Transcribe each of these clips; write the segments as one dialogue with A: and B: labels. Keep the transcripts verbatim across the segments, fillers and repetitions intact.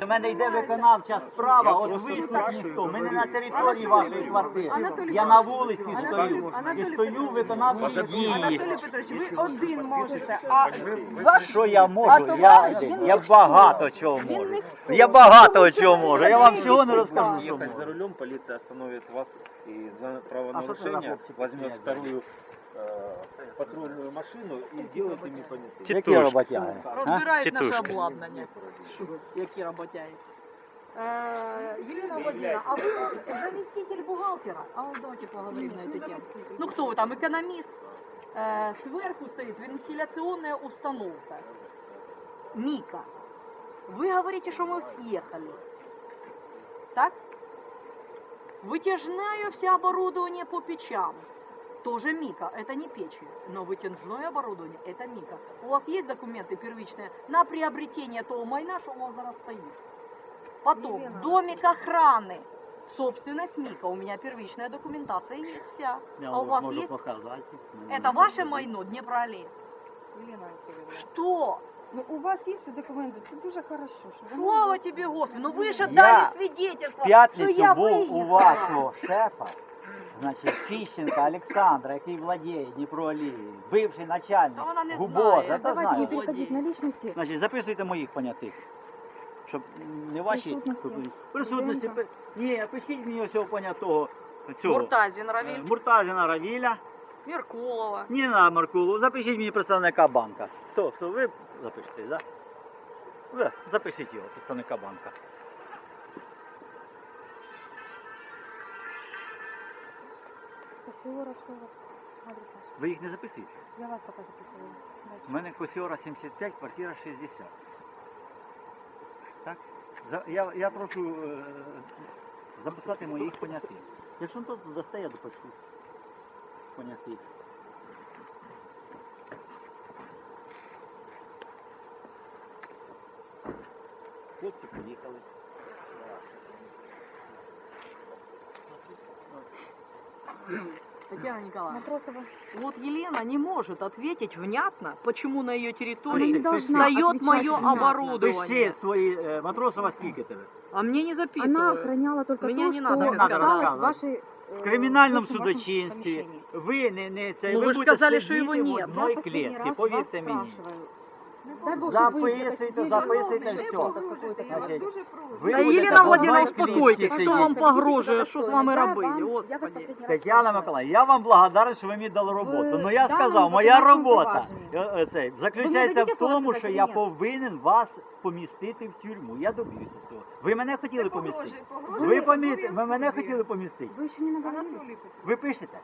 A: У мене йде виконавча справа, от виступ ніхто. Ми не на території вашої квартири. Я на вулиці стою. І стою виконавчі дії.
B: Анатолій Петрович, ви один можете, а ваш...
A: Що я можу? Я, я багато чого можу. Я багато чого можу. Я вам всього не розкажу, що
C: Ехать за
A: можу.
C: рулем, полиция остановит вас и за
A: А что ты за
C: правонарушение
A: хлопчик
C: возьмет
A: такие,
C: вторую э, патрульную машину и сделает ими понятые.
A: Які роботяги? а?
B: Розбирають наше
D: Тітушки.
B: обладнання. Які роботяги. Э, Елена Владимировна, а вы заместитель бухгалтера? А вот давайте поговорим на эту тему. Ну кто вы там, экономист? Э, сверху стоит вентиляционная установка. Мика. Вы говорите, что мы съехали. Так? Вытяжное все оборудование по печам. Тоже Мика, это не печи, но вытяжное оборудование это Мика. У вас есть документы первичные на приобретение того майна, что у вас зараз стоит? Потом, домик охраны, собственность Мика, у меня первичная документация есть вся.
A: Я
B: А у вас
A: можу
B: есть?
A: показати.
B: Это ваше майно, Днепроаллея? Что?
E: Ну, у вас є ці документи, це дуже хорошо. Що ви
B: Слава тебе, Господи, ну вы же
A: Я
B: дали свидетельство,
A: В
B: что я
A: п'ятницю був у
B: выехала.
A: вашого шефа, значить, Фіщенка Олександра, який владіє Дніпроалією, бивший начальник
B: А вона не
A: ГУБОЗ,
B: знає.
A: я
E: Давайте не
A: знаю.
E: переходить на личности.
A: Значить, записуйте моїх понятих, щоб не ваші
E: Присутності.
A: присутності.
E: Клиєнта.
A: Ні, пишіть мені цього понятого, цього,
B: Муртазин
A: е,
B: Равиль,
A: Муртазіна Равіля,
B: Меркулова.
A: Ніна Маркулу, запишіть мені представника банка. Хто, хто, ви запишете, так? Да? Ви запишіть його, представника банка.
E: Косіора, що у вас? Адрес ваш.
A: Ви їх не записуєте?
E: Я вас поки записую. Дальше.
A: У мене Косіора сімдесят п'ять, квартира шістдесят. Так? За- Я, я прошу е, записати моїх понятих. Якщо тут дасте, я допишу понятих. Хлопці поїхали.
B: Татьяна Николаевна,
E: Матросова.
B: вот Елена не может ответить внятно, почему на ее
E: Она
B: территории
E: не должна
B: встает
E: отвечать
B: мое
E: внятно.
B: оборудование.
A: Пиши свої, е, Матросова скільки тебе?
B: А мне не
E: Она
B: записывают.
E: охраняла только
B: Меня
E: то,
B: не
E: что
B: надо
A: рассказывать.
E: осталось
A: Надо
E: в вашей...
A: В
E: э,
A: кримінальному
E: в вашем
A: судочинстві
E: помещении.
A: ви не, не це,
B: Ну,
A: ви
B: ви ж
A: будете
B: сказали, що його
A: сидіти в
B: нет.
A: одній
E: Я последний
A: клітці,
E: раз
A: повірте
E: вас
A: мені.
E: спрашиваю. Дай Бог, чтобы вы
A: Записуйте,
E: сидели
A: записуйте,
E: в
A: все.
E: какой-то
A: Значить,
E: квартире.
A: ви
B: Да,
A: будете
B: Елена
A: в
B: Владимировна,
A: одній клітці
B: успокойтесь,
A: сидіти.
B: кто вам
E: Пожалуйста,
B: погрожує,
E: ведите
B: що з
E: себя
B: вами
E: достойно.
B: робили,
E: Я вас- я вас
B: господи.
E: последний раз
A: Тетяна
E: спрашиваю.
A: Миколаївна, я вам благодарен, що ви мені дали роботу.
E: В
A: Ну я
E: даному
A: сказав, моя
E: виконавчому
A: робота
E: провадженні.
A: е, е, цей, заключається
E: дадите
A: в тому,
E: слово
A: що
E: сказати
A: я
E: ні?
A: повинен вас помістити в тюрму. Я доб'юся цього. Ви мене хотіли помістити.
E: погрожує
A: Ви помі... ви мене хотіли помістити.
E: Вы еще не наговорились.
A: Ви пишете?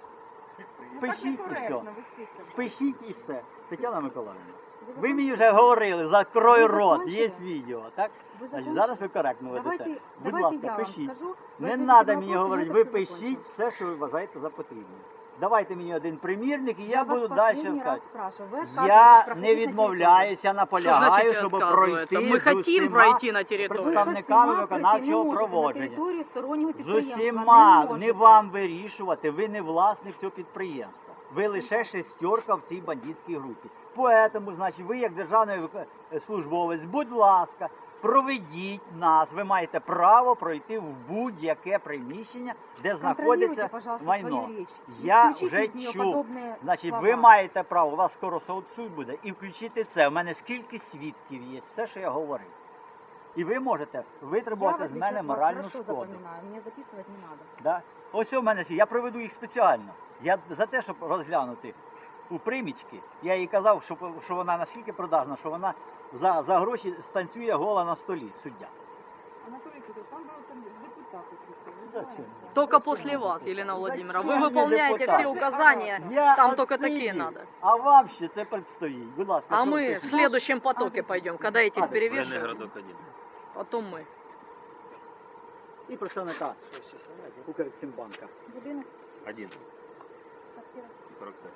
A: Пишіть і все. Пишіть і все. Тетяна Миколаївна. Ви мені вже говорили, закрой
E: Ви
A: рот,
E: закончили?
A: є відео, так?
E: Ви
A: Значить,
E: закончили?
A: зараз ви коректно ведете.
E: Давайте,
A: Будь
E: давайте
A: ласка,
E: я вам
A: пишіть.
E: скажу.
A: Не
E: ответите
A: треба
E: на
A: мені
E: вопрос,
A: говорити,
E: я
A: ви
E: так все
A: пишіть
E: закончу.
A: все, що ви вважаєте за потрібне. Давайте мені один примірник і я,
E: Я
A: буду
E: вас
A: далі
E: последний раз
A: сказати.
E: спрашиваю. Вы
A: Я
E: отказываетесь проходить
A: не
E: на
A: відмовляюся,
B: Что
A: наполягаю,
B: значит
A: щоб
B: отказывается?
A: пройти
B: Мы
A: з
B: хотим
A: усіма
B: пройти на территорию.
E: Ви
A: представниками
E: усіма
A: виконавчого
E: пройти не можете
A: проводження.
E: на територію стороннього
A: З
E: підприємства.
A: усіма,
E: Не
A: не
E: можете.
A: вам вирішувати, ви не власник цього підприємства. Ви лише шестерка в цій бандитській групі. Поэтому, значить, ви як державний вик- службовець, будь ласка, проведіть нас. Ви маєте право пройти в будь-яке приміщення, де
E: Контролируйте,
A: знаходиться
E: пожалуйста,
A: майно.
E: свою речь.
A: Я
E: Исключите
A: вже
E: из нее
A: чув.
E: подобные
A: Значить,
E: слова.
A: ви маєте право, у вас скоро суд суд буде, і включити це. У мене скільки свідків є, все, що я говорив. І ви можете
E: Я, в
A: витребувати з
E: отличие
A: мене
E: от вас,
A: моральну
E: хорошо
A: шкоду.
E: запоминаю. Мне записывать не надо.
A: Да? Ось у мене, я проведу їх спеціально. Я за те, щоб розглянути у примічки, я їй казав, що, що вона настільки продажна, що вона за, за гроші станцює гола на столі, суддя.
E: Анатолий Петрович, там был там депутат.
A: Да, чё?
B: Только после вас, Елена Владимировна. Вы
A: Зачем мне
B: выполняете
A: депутат?
B: все указания.
A: Я
B: Там только
A: отсидів,
B: такие надо.
A: А вам ще це предстоїть. Будь ласка,
B: А
A: що
B: мы
A: пишете?
B: в следующем потоке пойдем, когда этих
A: Адрес.
C: Военный
B: перевешивают.
C: городок один.
B: Потом мы.
A: І представника Укрексімбанка.
E: Будинок,
C: Один.
E: квартира.
C: сорок пять.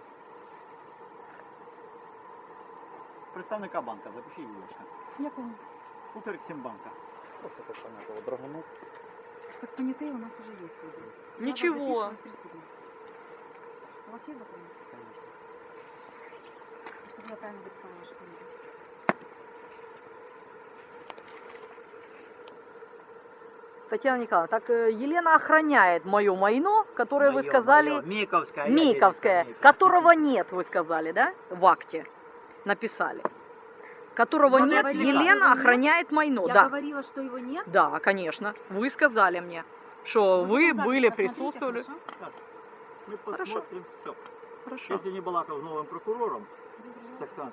A: Представника банка, запишіть, будь ласка.
E: Я помню.
A: Укрексімбанка. Просто так понятно, драгунок.
E: Как понятые у нас уже есть люди. Я
B: Ничего.
E: вас записываю в присутствии. У вас есть документ? Чтобы я правильно записала вашу фамилию.
B: Татьяна Николаевна, так э, Елена охраняет мое майно, которое вы
A: Моё,
B: сказали,
A: моё, Миковская. я
B: Миковская,
A: Миковская.
B: которого нет, вы сказали, да, в акте написали. Которого
E: Я
B: нет,
E: говорила,
B: Елена
E: его нет.
B: охраняет майно,
E: Я
B: да.
E: говорила, что его нет.
B: Да, конечно. Вы сказали мне, что вы
E: потом
B: были,
E: запись посмотрите,
B: присутствовали.
E: хорошо?
A: Мы
B: Хорошо.
A: посмотрим все.
B: Хорошо.
A: Якщо не балакав з новим прокурором, Саксан,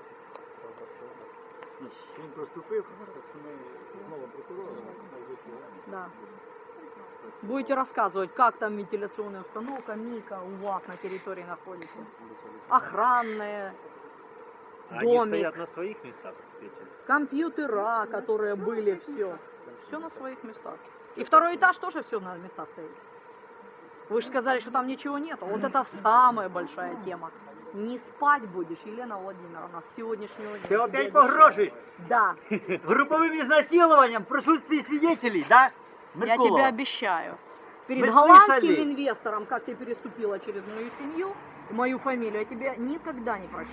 A: він проступив, так що ми з новим прокурором
B: Да. Будете рассказывать, как там вентиляционная установка, Мика, УВАК на территории находится. Охранная,
C: А они
B: домик,
C: стоят на своих местах, эти?
B: компьютера, которые были, все. Все на своих местах. И второй этаж тоже все на местах стоит. Вы же сказали, что там ничего нету. Вот это самая большая тема. Не спать будешь, Елена Владимировна, с сегодняшнего дня.
A: Ти опять
B: Я
A: погрожуєш
B: Да,
A: груповим изнасилованием в присутствии свидетелей, да?
B: я
A: Меркулова?
B: тебе обещаю. Перед
A: Мы
B: голландским
A: слышали.
B: инвестором, как ты переступила через мою семью, мою фамилию, я тебе никогда не прощу.